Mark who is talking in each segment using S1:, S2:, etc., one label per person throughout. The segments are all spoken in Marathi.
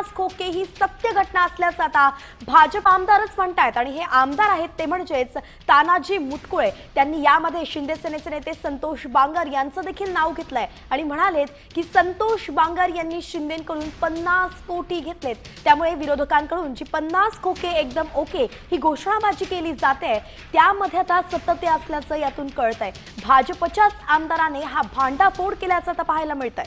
S1: 50 खोके ही सत्य घटना असल्याचं आता भाजप आमदारच म्हणतायत। आणि हे आमदार आहेत ते म्हणजेच तानाजी मुटकुळे। त्यांनी यामध्ये शिंदे सेनेचे नेते संतोष बांगर यांचं देखील नाव घेतलंय आणि म्हणालेत की संतोष बांगर यांनी शिंदेंकडून 50 कोटी घेतलेत, त्यामुळे विरोधकांकडून जी 50 खोके एकदम ओके ही घोषणाबाजी केली जाते त्यामध्ये आता सत्यते असल्याचं यातून कळतंय। भाजपच्याच आमदाराने हा भांडाफोड केल्याचं आता पाहायला मिळतंय।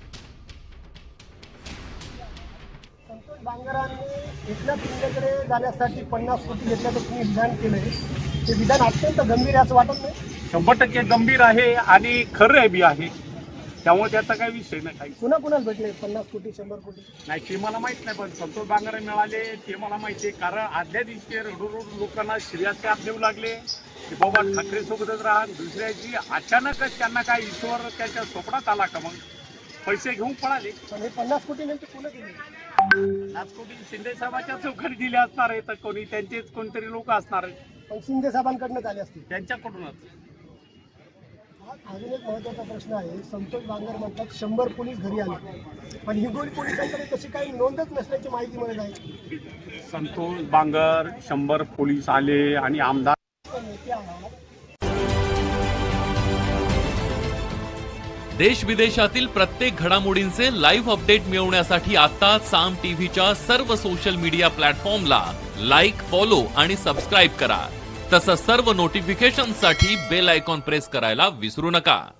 S2: संतोष बांगरांनी एकनाथ शिंदेकडे जाण्यासाठी 50 कोटी घेतल्याचं तुम्ही विधान केलंय, ते विधान अत्यंत गंभीर आहे असं वाटत नाही?
S3: 100% गंभीर आहे आणि खरं बी आहे, त्यामुळे त्याचा काही विषय नाही। काही
S2: कुणाकुणाला भेटले 50 कोटी 100 कोटी
S3: नाही ते मला माहित नाही, पण संतोष बांगर मिळाले ते मला माहिती आहे। कारण आदल्या दिवशी रडून लोकांना श्रेयाचे देऊ लागले की बाबा ठाकरे सोबतच राहा, दुसऱ्याची अचानकच त्यांना काय ईश्वर त्याच्या स्वप्नात आला का, मग पैसे घेऊन पळाले।
S2: पण हे 50 कोटी नेमके कोण दिले?
S3: 50 कोटी शिंदे साहेबाच्या चौकडी दिले असणार आहे, तर कोणी त्यांचेच कोणतरी लोक असणार आहेत,
S2: पण शिंदे साहेबांकडनं झाले असतील
S3: त्यांच्याकडूनच।
S2: अजून एक महत्त्वाचा प्रश्न आहे, संतोष बांगर म्हणतात 100 पोलीस घरी आले, पण हिंगोली पोलिसांकडे तशी काही नोंदच नसल्याची माहिती मिळत आहे।
S3: संतोष बांगर 100 पोलीस आले आणि आमदार
S2: नेते आहात,
S4: देश विदेशातील प्रत्येक घडामोडींचे लाईव्ह अपडेट मिळवण्यासाठी आता साम टीव्हीच्या सर्व सोशल मीडिया प्लॅटफॉर्मला लाईक, फॉलो आणि सबस्क्राईब करा। तसंच सर्व नोटिफिकेशनसाठी बेल आयकॉन प्रेस करायला विसरू नका।